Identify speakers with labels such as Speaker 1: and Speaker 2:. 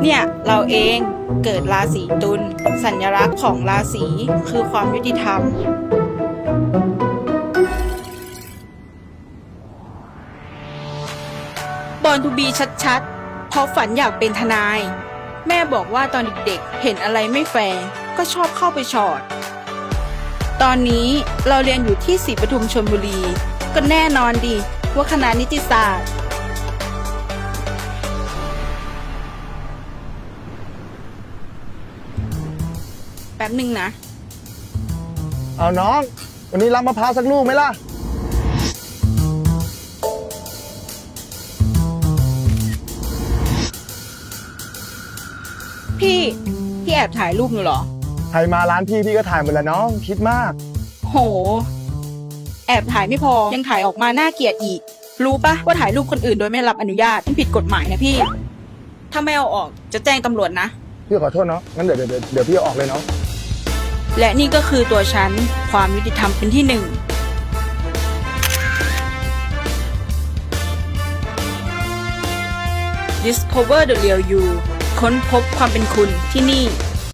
Speaker 1: เนี่ยเราเองเกิดราศีตุลสัญลักษณ์ของราศีคือความยุติธรรมบอลทูบีชัดๆเพราะฝันอยากเป็นทนาย แม่บอกว่าตอนเด็กๆเห็นอะไรไม่แฟร์ก็ชอบเข้าไปชอดตอนนี้เราเรียนอยู่ที่ศรีปทุมชลบุรีก็แน่นอนดีว่าคณะนิติศาสตร์แป๊บหนึ่งนะ
Speaker 2: เอาน้อง วันนี้รับมะพร้าวสักลูกไหมล่ะ
Speaker 1: พี่แอบถ่ายรูปหนูเหรอ
Speaker 2: ใครมาร้านพี่ก็ถ่ายหมดแล้วน้อง คิดมาก
Speaker 1: โห แอบถ่ายไม่พอยังถ่ายออกมาน่าเกลียดอีก รู้ปะว่าถ่ายรูปคนอื่นโดยไม่รับอนุญาตมันผิดกฎหมายนะพี่ ถ้าไม่เอาออกจะแจ้งตำรวจนะ
Speaker 2: พี่ขอโทษเนาะงั้นเดี๋ยวพี่เอาออกเลยเนาะ
Speaker 1: และนี่ก็คือตัวฉันความยุติธรรมเป็นที่หนึ่ง Discover the real you ค้นพบความเป็นคุณที่นี่